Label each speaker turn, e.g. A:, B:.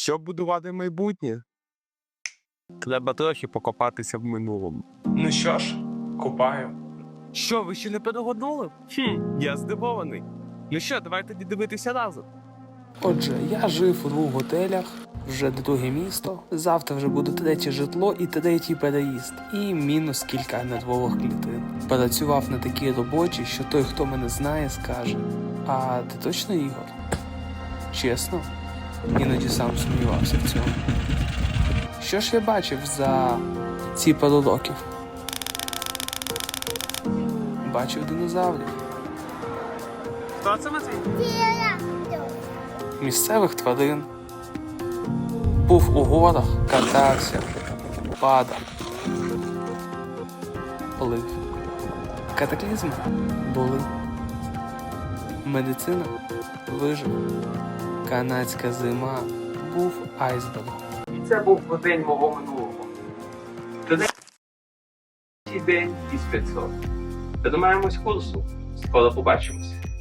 A: Щоб будувати майбутнє, треба трохи покопатися в минулому.
B: Ну що ж, купаю.
A: Що, ви ще не перегоднули? Я здивований. Ну що, давайте дивитися разом.
C: Отже, я жив у 2 готелях, вже друге місто, завтра вже буде 3 житло і 3 переїзд, і мінус кілька нервових клітин. Працював на такій роботі, що той, хто мене знає, скаже: а ти точно Ігор? Чесно? Іноді сам сумнівався в цьому. Що ж я бачив за ці пару років? Бачив динозаврів.
A: Хто це Матвій?
C: Місцевих тварин. Був у горах, катався, падав, плив. Катаклізми були. Медицина вижив. Канадська зима був айсбергом.
D: І це був день мого минулого. Третій день із 500. Тримаємось курсу. Скоро побачимося.